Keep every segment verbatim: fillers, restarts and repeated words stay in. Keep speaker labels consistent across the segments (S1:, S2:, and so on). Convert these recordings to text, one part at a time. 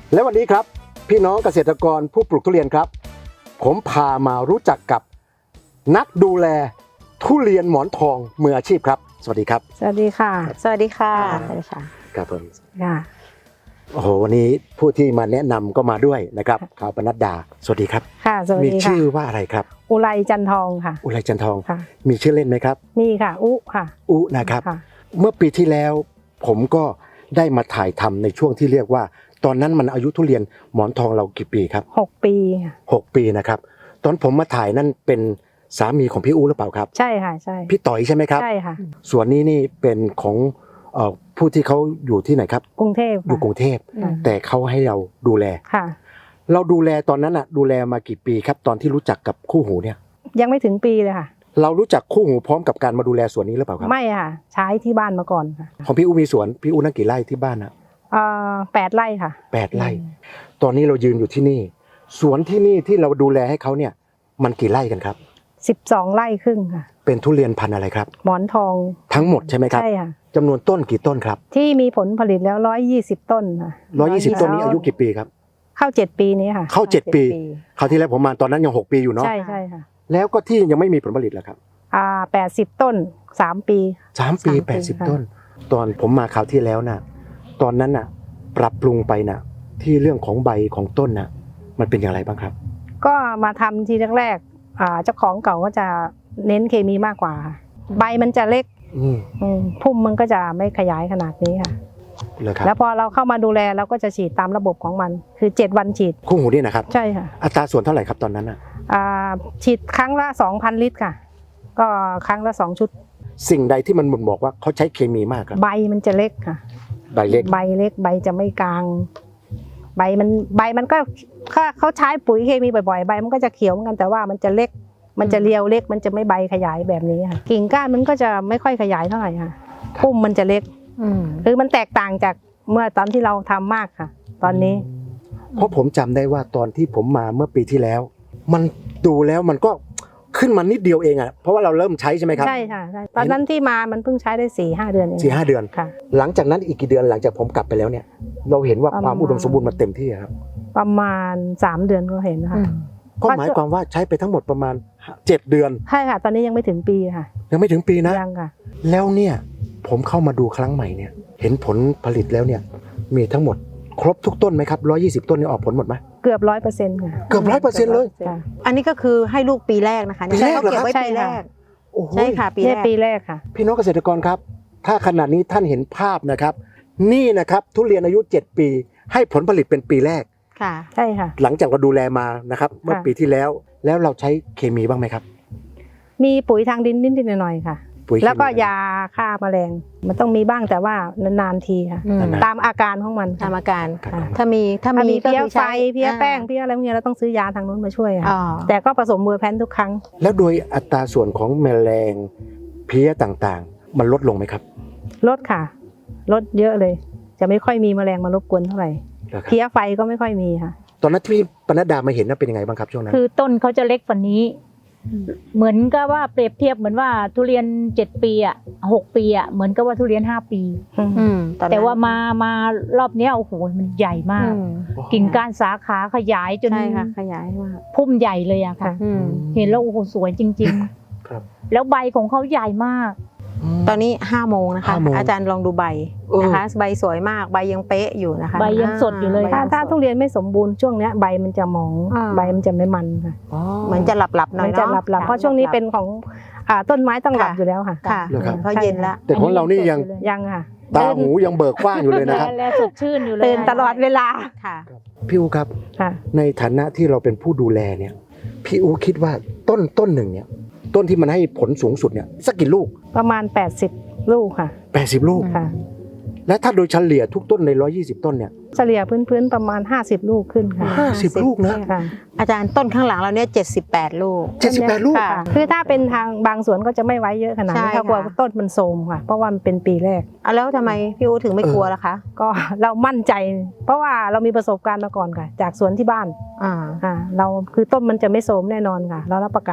S1: และวันนี้ครับพี่น้องเกษตรกรผู้ปลูกทุเรียนครับผมพามารู้จักกับนักดูแลทุเรียนหมอนทองมืออาชีพครับสวัสดีครับ
S2: สวัสดีค่ะ
S3: สวัสดีค่ะสวัสดีค่ะ
S1: ครับผม
S2: ค่ะ
S1: โอ้โหวันนี้ผู้ที่มาแนะนำก็มาด้วยนะครับข่าวปนัดดาสวัสดีครับ
S2: ค่ะสวัสดีค่ะ
S1: มีชื่อว่าอะไรครับ
S2: อุไรจันทองค่ะ
S1: อุไรจันทอง
S2: ค่ะ
S1: มีชื่อเล่นไหมครับ
S2: มีค่ะอุค่ะ
S1: อุนะครับเมื่อปีที่แล้วผมก็ได้มาถ่ายทำในช่วงที่เรียกว่าตอนนั้นมันอายุทุเรียนหมอนทองเรากี่ปีครับ
S2: หกปีค่ะ
S1: หกปีนะครับตอนผมมาถ่ายนั่นเป็นสามีของพี่อู๋หรือเปล่าครับ
S2: ใช่ค่ะใช่
S1: พี่ต่อยใช่ไหมครับ
S2: ใช่ค่ะ
S1: ส่วนนี้นี่เป็นของเอ่อผู้ที่เขาอยู่ที่ไหนครับ
S2: กรุงเทพ
S1: อยู่กรุงเทพแต่เขาให้เราดูแล
S2: ค่ะ
S1: เราดูแลตอนนั้นอ่ะดูแลมากี่ปีครับตอนที่รู้จักกับคู่หูเนี่ย
S2: ยังไม่ถึงปีเลยค่ะ
S1: เรารู้จักคู่หูพร้อมกับการมาดูแลสวนนี้หรือเปล่าครับ
S2: ไม่ค่ะใช้ที่บ้านมาก่อนค่ะ
S1: ของพี่อู๋มีสวนพี่อู๋นั่งกี่ไร่ที่บ้านอ่ะ
S2: เอ่อแปดไร่ค่ะ
S1: แปดไร่ตอนนี้เรายืนอยู่ที่นี่สวนที่นี่ที่เราดูแลให้เขาเนี่ยมันกี่ไร่กันครับ
S2: สิบสองไร่ครึ่งค่ะ
S1: เป็นทุเรียนพันธุ์อะไรครับ
S2: หมอนทอง
S1: ทั้งหมดใช่ไหมครับ
S2: ใช่ค่ะ
S1: จำนวนต้นกี่ต้นครับ
S2: ที่มีผลผลิตแล้วร้อยยี่สิบต้นค่ะ
S1: ร้อยยี่สิบต้นนี้อายุกี่ปีครับ
S2: เข้าเจ็ดปีนี้ค่ะ
S1: เข้าเจ็ดปีคราวที่แล้วผมมาตอนนั้นยังหกปีอยู่เนาะ
S2: ใช่ใช่ค่ะ
S1: แล้วก็ที่ยังไม่มีผลผลิตแล้วครับ
S2: อ่าแปดสิบต้นสามปี
S1: สามปีแปดสิบต้นตอนผมมาคราวที่แล้วน่ะตอนนั้นน่ะปรับปรุงไปน่ะที่เรื่องของใบของต้นน่ะมันเป็นอย่างไรบ้างครับ
S2: ก็มาทำทีแรกๆอ่าเจ้าของเก่าก็จะเน้นเคมีมากกว่าใบมันจะเล็กพุ่มมันก็จะไม่ขยายขนาดนี้ค่ะแล้วพอเราเข้ามาดูแลเราก็จะฉีดตามระบบของมันคือเจ็ดวันฉีด
S1: คู่หูนี่นะครับ
S2: ใช่ค่ะ
S1: อัตราส่วนเท่าไหร่ครับตอนนั้นน่ะ
S2: อ่าฉีดครั้งละ สองพัน ลิตรค่ะก็ครั้งละสองชุด
S1: สิ่งใดที่มันบ่งบอกว่าเขาใช้เคมีมากครับ
S2: ใบมันจะเล็กค่ะ
S1: ใบเล็ก
S2: ใบเล็กใบจะไม่กลางใบมันใบมันก็ถ้าเขาใช้ปุ๋ยเคมีบ่อยๆใบมันก็จะเขียวเหมือนกันแต่ว่ามันจะเล็กมันจะเรียวเล็กมันจะไม่ใบขยายแบบนี้ค่ะกิ่งก้านมันก็จะไม่ค่อยขยายเท่าไหร่ค่ะพุ่มมันจะเล็กคือมันแตกต่างจากเมื่อตอนที่เราทำมากค่ะตอนนี้
S1: เพราะผมจำได้ว่าตอนที่ผมมาเมื่อปีที่แล้วมันดูแล้วมันก็ขึ้นมานิดเดียวเองอ่ะเพราะว่าเราเริ่มใช้ใช่ไหมครับ
S2: ใช่ค่ะใช่ตอนนั้นที่มามันเพิ่งใช้ได้สี่ห้าเดือนเอง
S1: สี่ห้าเดือน
S2: ค่ะ
S1: หลังจากนั้นอีกกี่เดือนหลังจากผมกลับไปแล้วเนี่ยเราเห็นว่าความอุดมสมบูรณ์มันเต็มที่ครับ
S2: ประมาณสามเดือนก็เห็นนะคะ
S1: ก็หมายความว่าใช้ไปทั้งหมดประมาณเจ็ดเดือน
S2: ใช่ค่ะตอนนี้ยังไม่ถึงปีค่ะ
S1: ยังไม่ถึงปีนะ
S2: ยังค่ะ
S1: แล้วเนี่ยผมเข้ามาดูครั้งใหม่เนี่ยเห็นผลผลิตแล้วเนี่ยมีทั้งหมดครบทุกต้นไหมครับร้อยยี่สิบต้นนี่ออกผลหมดไหม
S2: เกือบร้อยเปอร์เซ็นต์ค่ะ
S1: เกือบร้อยเปอร์เซ็นต์เลย
S3: อันนี้ก็คือให้ลูกปีแรกนะคะ
S1: ปีแรกเหรอ
S3: ครับใช่แรกใช่ค่ะปีแรก
S2: ปีแรกค่ะ
S1: พี่น้องเกษตรกรครับถ้าขณะนี้ท่านเห็นภาพนะครับนี่นะครับทุเรียนอายุเจ็ดปีให้ผลผลิตเป็นปีแรก
S2: ค่ะใช่ค่ะ
S1: หลังจากเราดูแลมานะครับเมื่อปีที่แล้วแล้วเราใช้เคมีบ้างไหมครับ
S2: มีปุ๋ยทางดินนิดๆหน่อยๆค่ะแล้วก็ยาฆ่าแมลงมันต้องมีบ้างแต่ว่านานๆทีค่ะตามอาการของมัน
S3: ตามอาการถ้ามีถ้ามี
S2: เพี้ยไฟเพี้ยแป้งเพี้ยอะไรพวกนี้เราต้องซื้อยาทางนู้นมาช่วยค่ะแต่ก็ผสมเวอร์แพนทุกครั้ง
S1: แล้วโดยอัตราส่วนของแมลงเพี้ยต่างๆมันลดลงไหมครับ
S2: ลดค่ะลดเยอะเลยจะไม่ค่อยมีแมลงมารบกวนเท่าไหร่เพี้ยไฟก็ไม่ค่อยมีค่ะ
S1: ตอนนั้นที่ปนัดดามาเห็นนั้นเป็นยังไงบ้างครับช่วงนั้น
S4: คือต้นเขาจะเล็กกว่านี้เหมือนกับว่าเปรียบเทียบเหมือนว่าทุเรียนเจ็ดปีอ่ะหกปีอ่ะเหมือนกับว่าทุเรียนห้าปีแต่ว่ามามารอบนี้โอ้โหมันใหญ่มากกิ่งก้านสาขาขยายจน
S3: ใช่ค่ะขยายมาก
S4: พุ่มใหญ่เลยอะค่ะเห็นแล้วโอ้โหสวยจริงๆแล้วใบของเขาใหญ่มาก
S3: ตอนนี้ห้าโมงนะคะอาจารย์ลองดูใบนะคะใบสวยมากใบยังเป๊ะอยู่นะคะ
S4: ใบยังสดอยู่เลย
S2: ถ้าถ้าทุเรียนไม่สมบูรณ์ช่วงนี้ใบมันจะมองใบมันจะไม่มันค่ะ
S3: เหมือนจะหลับหลับหน่อย
S2: เนาะจะหลับหลับเพราะช่วงนี้เป็นของต้นไม้ต้องหลับอยู่แล้วค่ะ
S3: ค่ะเพราะเย็นแล้ว
S1: แต่ของเรานี่ยัง
S2: ยังค่ะ
S1: ตาหูยังเบิกกว้างอยู่เลยนะครับ
S4: และสดชื่นอยู่เลย
S2: ตื่นตลอดเวลา
S3: ค่ะ
S1: พี่อู๋ครับในฐานะที่เราเป็นผู้ดูแลเนี่ยพี่อู๋คิดว่าต้นต้นหนึ่งเนี่ยต้นที่มันให้ผลสูงสุดเนี่ยสักกี่ลูก
S2: ประมาณแปดสิบลูกค่ะ
S1: แปดสิบลูก
S2: ค่ะ
S1: และถ้าโดยเฉลี่ยทุกต้นในหนึ่งร้อยยี่สิบต้นเนี่ย
S2: เฉลี่ยพื้นๆประมาณห้าสิบลูกขึ้นค่ะ
S1: ห้าสิบลูกนะ
S3: อาจารย์ต้นข้างหลังเราเนี่ยเจ็ดสิบแปดลูก
S1: เจ็ดสิบแปดลูก
S2: คือถ้าเป็นทางบางสวนก็จะไม่ไว้เยอะขนาดนี้ถ้ากลัวต้นมันโทรมค่ะเพราะว่ามันเป็นปีแรก
S3: อ่ะแล้วทำไมพี่อู๋ถึงไม่กลัวล่ะคะ
S2: ก็เรามั่นใจเพราะว่าเรามีประสบการณ์มาก่อนค่ะจากสวนที่บ้านอ่าอ่าเราคือต้นมันจะไม่โทรมแน่นอนค่ะเรารับประกัน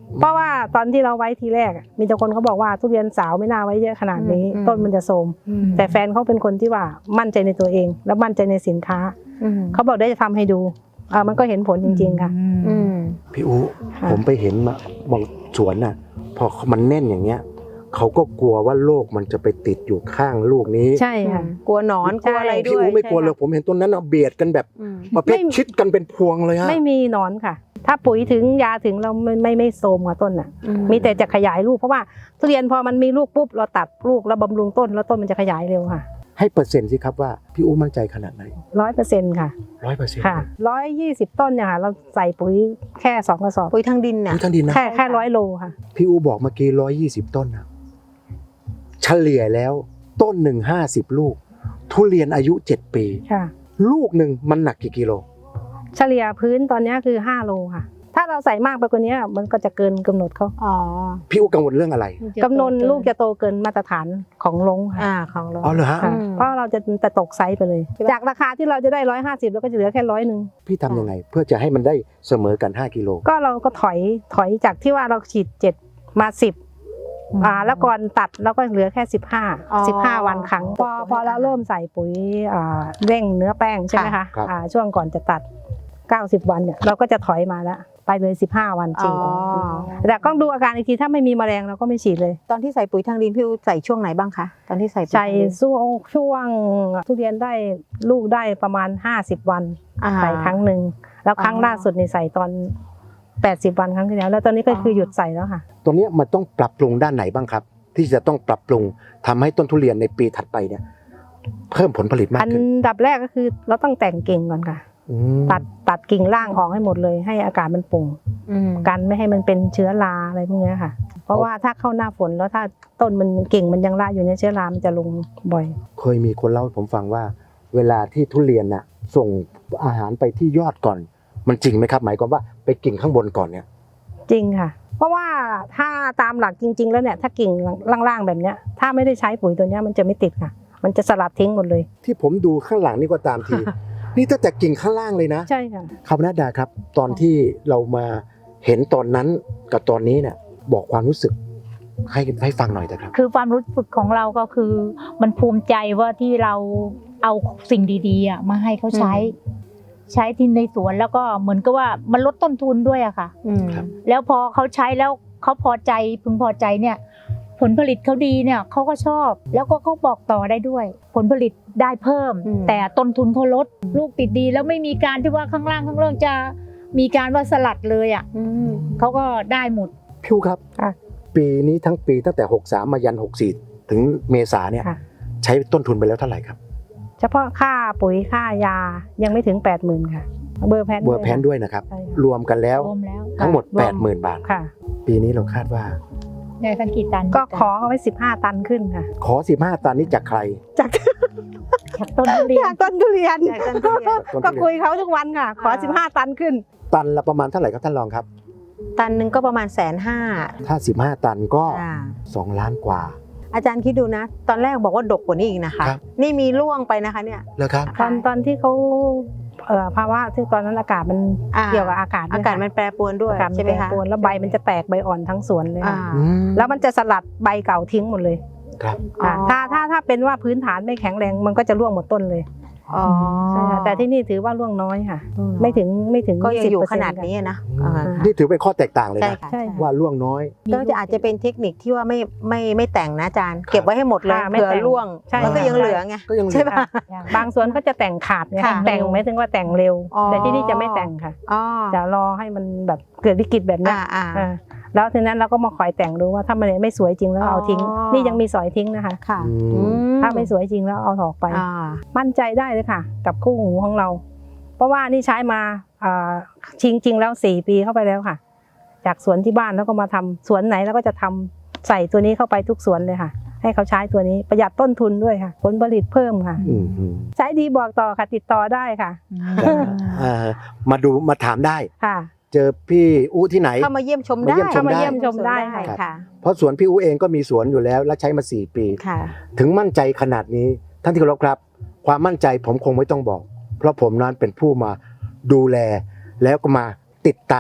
S2: เพราะว่าตอนที่เราไว้ทีแรกอะมีแต่คนเขาบอกว่าทุเรียนสาวไม่น่าไว้เยอะขนาดนี้
S3: อืม
S2: ต้นมันจะโทรม
S3: อืม
S2: แต่แฟนเขาเป็นคนที่ว่ามั่นใจในตัวเอง แล้วมั่นใจในสินค้า
S3: อืม
S2: เขาบอกได้จะทำให้ดูเออมันก็เห็นผลจริงๆค่ะ
S3: อืม
S1: พี่อู
S2: ค่ะ
S1: ผมไปเห็นมาบางสวนน่ะ พอมันแน่นอย่างเงี้ยเขาก็กลัวว่าโรคมันจะไปติดอยู่ข้างลูกนี้
S2: ใช่ค่ะ
S3: กลัวหนอนกลัวอะไร
S1: พี่
S3: ด้วย
S1: อูไม่กลัวเลย
S3: ใช่
S1: ผมเห็นต้นนั้นเอาเบียดกันแบบ
S3: อืม
S1: ประเภท
S2: ไม่
S1: ชิดกันเป็นพวงเลยฮะ
S2: ไม่มีหนอนค่ะ ถ้าปุ๋ยถึงยาถึงเราไม่ไม่ไม่โทรมกับต้นอ่ะ
S3: อื
S2: มีแต่จะขยายลูกเพราะว่าทุเรียนพอมันมีลูกปุ๊บเราตัดลูกแล้วบำรุงต้นแล้วต้นมันจะขยายเร็วค่ะ
S1: ให้เปอร์เซ็นต์สิครับว่าพี่อูมั่นใจขนาดไหน
S2: ร้อยเปอร์เซ็นต์ค่ะ
S1: ร้อยเปอร์เซ็นต์
S2: ค่ะร้อยยี่สิบต้นเนี่ยค่ะเราใส่ปุ๋ยแค่สองกระสอบ
S3: ปุ๋ยทางดินน่ะ
S1: ท่านดินนะ
S2: แค่แค่ร้อยโลค่ะ
S1: พี่อูบอกเมื่อกี้ร้อยยี่สิบต้นนะเฉลี่ยแล้วต้นหนึ่งห้าสิบลูก ทุเรียนอายุเจ็ดปี
S2: ค่ะ
S1: ลูกหนึ่งมันหนักกี่กิโล
S2: เฉลี่ยพื้นตอนนี้คือห้าโลค่ะ ถ้าเราใส่มากไปกว่านี้มันก็จะเกินกำหนดเขา
S3: อ๋อ
S1: พี่อูกังวลเรื่องอะไร
S2: กำหนดลูกจะโตเกินมาตรฐานของลงค่ะ
S3: อ่าของเรา
S1: อ๋อเหรอฮะ
S2: ค่ะ
S3: อืม
S2: เพราะเราจะจะตกไซส์ไปเลย จากราคาที่เราจะได้ร้อยห้าสิบเราก็จะเหลือแค่ร้อยหนึ่ง
S1: พี่ทำยังไง เพื่อจะให้มันได้เสมอกันห้ากิโล
S2: ก็เราก็ถอยถอยจากที่ว่าเราฉีดเจ็ดมาสิบอ่าแล้วก่อนตัดเราก็เหลือแค่สิบห้า
S3: อ๋อ
S2: สิบห้าวันครั้งพอพอเราเริ่มใส่ปุ๋ยอ่าเร่งเนื้อแป้งใช่ไหมคะ
S1: ครับ
S2: อ่าช่วงก่อนจะตัดเก้าสิบวันเนี่ยเราก็จะถอยมาแล้วไปเลยสิบห้าวันจริง
S3: อ๋อ
S2: แต่ต้องดูอาการอีกทีถ้าไม่มีแมลงเราก็ไม่ฉีดเลย
S3: ตอนที่ใส่ปุ๋ยทางดินพี่อูใส่ช่วงไหนบ้างคะตอนที่ใส่ปุ๋ย
S2: ใส่
S3: ทางดิน
S2: ช่วงช่วงทุเรียนได้ลูกได้ประมาณห้าสิบวัน
S3: อ่า
S2: ใส่ครั้งหนึ่งแล้วครั้ง
S3: อ๋อ
S2: ล่าสุดนี่ใส่ตอนแปดสิบวันครั้งที่แล้วแล้วตอนนี้ก็คือหยุดใส่แล้วค่ะ
S1: ตรงเนี้ยมันต้องปรับปรุงด้านไหนบ้างครับ ที่จะต้องปรับปรุงทำให้ต้นทุเรียนในปีถัดไปเนี่ย เพิ่มผลผลิตมาก
S2: อัน
S1: ขึ้น
S2: ดับแรกก็คือเราต้องแต่งกิ่งก่อนค่ะ
S1: อืม
S2: ตัดตัดกิ่งล่างออกให้หมดเลย ให้อากาศมันโปร่ง
S3: อืม
S2: กันไม่ให้มันเป็นเชื้อราอะไรพวกเนี้ยค่ะ เพราะว่าถ้าเข้าหน้าฝนแล้วถ้าต้นมันกิ่งมันยังราอยู่ในยเชื้อรามันจะลงบ่อย
S1: เคยมีคนเล่าให้ผมฟังว่า เวลาที่ทุเรียนน่ะ ส่งอาหารไปที่ยอดก่อน มันจริงไหมครับ หมายความว่าไปกิ่งข้างบนก่อนเนี่ย
S2: จริงค่ะ เพราะว่าถ้าตามหลักจริง ๆ แล้วเนี่ยถ้ากิ่งล่างๆแบบเนี้ยถ้าไม่ได้ใช้ปุ๋ยตัวเนี้ยมันจะไม่ติดค่ะ มันจะสลัดทิ้งหมดเลย
S1: ที่ผมดูข้างหลังนี่ก็ตามที นี่ตั้งแต่กิ่งข้างล่างเลยนะ
S2: ใช่ค่ะ
S1: ครับนัดดาครับ ตอนที่เรามาเห็นตอนนั้นกับตอนนี้เนี่ย บอกความรู้สึกให้ให้ฟังหน่อยนะครับ
S4: คือความรู้สึกของเราก็คือ มันภูมิใจว่าที่เราเอาสิ่งดีๆอ่ะมาให้เขาใช้ ใช้ที่ในสวนแล้วก็เหมือนกับว่ามันลดต้นทุนด้วยอะค่ะ
S3: อืม
S1: ครับ
S4: แล้วพอเขาใช้แล้วเขาพอใจพึงพอใจเนี่ย ผลผลิตเขาดีเนี่ยเขาก็ชอบ แล้วก็เขาบอกต่อได้ด้วย ผลผลิตได้เพิ่ม
S3: อืม
S4: แต่ต้นทุนเขาลดลูกติดดี แล้วไม่มีการที่ว่าข้างล่างข้างล่างจะมีการว่าสลัดเลยอ่ะ
S3: อืม
S4: เขาก็ได้หมด
S1: พิวครับ
S2: ค่ะ
S1: ปีนี้ทั้งปีตั้งแต่หกสามมายันหกสี่ถึงเมษาเนี่ย
S2: ค่ะ
S1: ใช้ต้นทุนไปแล้วเท่าไหร่ครับ
S2: เฉพาะค่าปุ๋ยค่ายายังไม่ถึงแปดหมื่นค่ะ เบอร์แพน
S1: เบอร์แพนด้วยนะครับ
S2: ใช่ค่ะ
S1: รวมกันแล้ว
S4: รวมแล้ว
S1: ทั้งหมด
S2: รวม
S1: แปดหมื่นบาท
S2: ค่ะ
S1: ปีนี้เราคาดว่า
S4: ได้สักกี่ตัน
S2: ก็ขอเขาไว้สิบห้าตันขึ้นค่ะ
S1: ขอสิบห้าตันนี้จากใคร
S2: จาก
S4: จากต้นทุเรียน
S2: จากต้นทุเรียน
S3: จากต้นทุเรียน
S1: ต้นทุเรียน
S2: ก็คุยเขาทุกวันค่ะ ขอ
S3: อ่า
S2: สิบห้าตันขึ้น
S1: ตันละประมาณเท่าไหร่ครับท่านรองครับ
S3: ตันหนึ่งก็ประมาณแสนห้า
S1: ถ้าสิบห้าตันก็
S3: อ่า
S1: สองล้านกว่า
S3: อาจารย์คิดดูนะ ตอนแรกบอกว่าดกกว่านี้อีกนะคะ
S1: ครับ
S3: นี่มีร่วงไปนะคะเนี่ย
S1: แล้วครับ
S2: ตอนตอนที่เขาเอ่อภาวะที่ตอนนั้นอากาศมัน
S3: อ่า
S2: เกี่ยวกับอากาศด้ว
S3: อาย กาศ
S2: ค่ะ
S3: มันแปรปรวนด้วย
S2: อากาศมัน
S3: ใช่ไหม
S2: แปร
S3: คะ
S2: ปรวนแล้วใบมันจะแตกใบอ่อนทั้งสวนเลย
S3: อ่า
S2: ค่ะ
S1: อืม
S2: แล้วมันจะสลัดใบเก่าทิ้งหมดเลย
S1: ครับ
S2: ค่ะ
S3: อ๋อ
S2: ถ้าถ้าถ้าเป็นว่าพื้นฐานไม่แข็งแรงมันก็จะร่วงหมดต้นเลย
S3: อ๋อ
S2: ใช่ค่ะแต่ที่นี่ถือว่าร่วงน้อยค่ะ ไม่ถึงไม่ถึง
S3: ก็ยังอยู่
S2: สิบเปร์
S3: ข
S2: เซ็ต์
S3: นาดนี้นะ
S1: อืม
S3: อ่า
S1: นี่ถือเป็นข้อแตกต่างเลย
S3: ใช่
S1: นะ
S3: ค่ะ
S2: ใช่
S1: ว่าล่วงน้อย
S3: ก็จะอาจจะเป็นเทคนิคที่ว่าไม่ไม่ไม่แต่งนะอาจารย์ เก็บไว้ให้หมดเลย
S2: ค่ะไม่
S3: เผื่อ
S2: แต่ง
S3: ร่วง
S2: ใช่
S3: มันก็ยังเหลือไง
S1: ก็ยังเหลือ
S3: ใช่ปะ
S2: บางสวนก็จะแต่งขาดไง
S3: ค่ะ
S2: แต่งไม่ถึงว่าแต่งเร็ว
S3: อ๋อ
S2: แต่ที่นี่จะไม่แต่งค่ะ
S3: อ๋อ
S2: จะรอให้มันแบบเกิดวิกฤตแบบเนี้ย
S3: อ่าอ่า
S2: อ่าแล้วทีนั้นเราก็มาคอยแต่งดูว่าถ้ามันไม่สวยจริงแล้ว
S3: อ๋อ
S2: เอาทิ้ง นี่ยังมีสอยทิ้งนะคะ
S3: ค่ะ
S1: อืม
S3: อื
S2: ถ้าไม่สวยจริงแล้วเอาออกไป
S3: อ่า
S2: มั่นใจได้เลยค่ะ กับคู่หูของเรา เพราะว่านี่ใช้มาอ่าจริงจริงๆแล้วสี่ปีเข้าไปแล้วค่ะ จากสวนที่บ้านแล้วก็มาทำสวนไหนแล้วก็จะทำใส่ตัวนี้เข้าไปทุกสวนเลยค่ะ ให้เขาใช้ตัวนี้ประหยัดต้นทุนด้วยค่ะ ผลผลิตเพิ่มค่ะ
S1: อืมอืม
S2: ใช้ดีบอกต่อค่ะ ติดต่อได้ค่ะ
S1: เอ่อมาดูมาถามได้
S2: ค่ะ
S1: เจอพี่อู้ที่ไหน
S3: เข้ามาเยี่ยมชม
S1: มา
S3: ได้
S1: เยี่ยมชมได้
S2: เข้ามาเยี่ยมชมได้
S1: ครับ
S3: ค่ะ
S1: เพราะสวนพี่อู้เองก็มีสวนอยู่แล้ว และใช้มาสี่ปี
S3: ค่ะ
S1: ถึงมั่นใจขนาดนี้ท่านที่เคารพครับ ความมั่นใจผมคงไม่ต้องบอก เพราะผมนั้นเป็นผู้มาดูแล แล้วก็มาติดตาม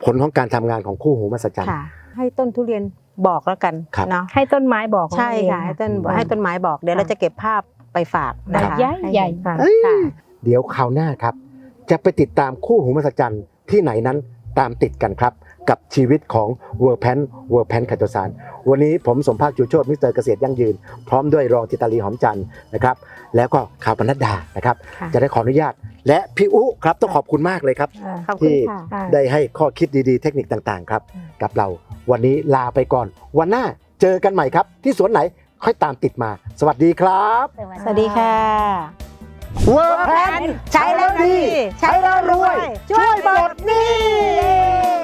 S1: ผลของการทำงานของคู่หูมหัศจรรย์
S3: ค่ะ ให้ต้นทุเรียนบอกแล้วกัน
S1: ครับ
S3: เนาะ
S2: ให้ต้นไม้บอก
S3: ใช่ค่ะให้ต้นให้ต้นไม้บอกเดี๋ยวเราจะเก็บภาพไปฝากนะคะ
S4: ใหญ่ใหญ่
S2: ค่ะ
S1: เอ้ย
S3: ค่ะ
S1: เดี๋ยวคราวหน้าครับ จะไปติดตามคู่หูมหัศจรรย์ที่ไหนนั้นตามติดกันครับ กับชีวิตของเวอร์แพนเวอร์แพนไคโตซานวันนี้ผมสมภาคจูโชติมิสเตอร์เกษตรยั่งยืน พร้อมด้วยรองจิตาลีหอมจันทร์นะครับ แล้วก็ข่าวปนัดดานะครับ
S3: ค่ะ
S1: จะได้ขออนุญาต และพี่อุครับต้องขอบคุณมากเลยครับ
S2: อ่า
S3: ขอบคุณ
S1: ที่
S3: ค่ะ
S2: ค่ะ
S1: ได้ให้ข้อคิดดีๆ เทคนิคต่างๆ ครับ กับเราวันนี้ลาไปก่อน วันหน้าเจอกันใหม่ครับ ที่สวนไหนค่อยตามติดมา สวัสดีครับ
S3: สวัสดีค่ะ
S1: เวอร์แพน
S3: ใช้แล้วดี
S1: ใช้แล้วรวย ช่วยหมดหนี่